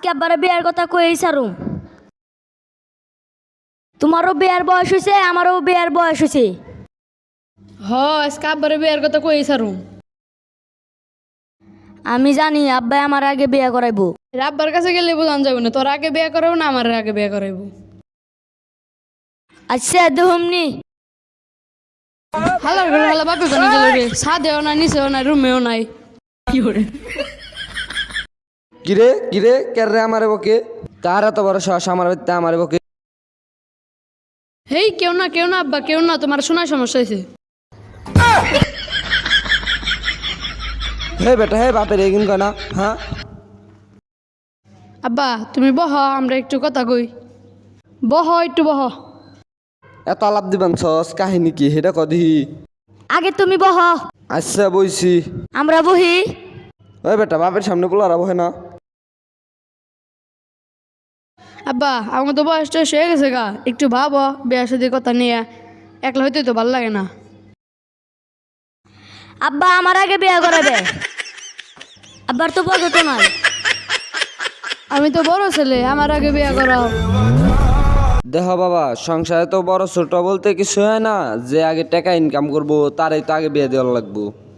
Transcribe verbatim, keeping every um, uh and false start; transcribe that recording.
আব্বারে বিয়ার কথা কই সারুম। তোমারও বিয়ার বয়স হয়েছে, আমারও বিয়ার বয়স হয়েছে। হ আজকে আব্বারে বিয়ার কথা কই সারুম। আমি জানি আব্বাই আমার আগে বিয়া করাইবো। আব্বার কাছে গেলে বোঝান যাবে না, তোর আগে বিয়া করাবো না আমার আগে বিয়া করাইবো। আচ্ছা দুহমনি। হালার ঘরে হালা বাপে কোনে গেল রে, ছাদেও নাই নিচেও নাই রুমেও নাই। কি করে কিরে কিরে কেরে আমারে বকে? কার এত বড় সাহস আমার বাড়িতে আমারে বকে? হেই কেউ না কেউ না আব্বা কেউ না, তোমার শোনার সমস্যা হয়েছে। হে বেটা হে বাপের এগিন কয় না হ্যাঁ? আব্বা তুমি বহ, আমরা একটু কথা কই। বহ একটু বহ। এত আলাপ দিবান সস কাহিনী কি সেটা কদি? আগে তুমি বহ, আচ্ছা বইছি। আমরা বহি। ওই বেটা বাপের সামনে পোলারা বহে না। আব্বা আমার তো বয়সটা হয়ে গেছে গা, একটু ভাবো বিয়ার সাথে কথা নিয়ে, একলা হইতে তো ভালো লাগে না। আব্বা আমার আগে বিয়া করাবে। আব্বার তো বয়স তো নাই। আমি তো বড় ছেলে, আমার আগে বিয়া করাও। দেহ বাবা, সংসারে তো বড় ছোট বলতে কিছু হয় না, যে আগে টাকা ইনকাম করবো তারই তো আগে বিয়ে দেওয়া লাগবো।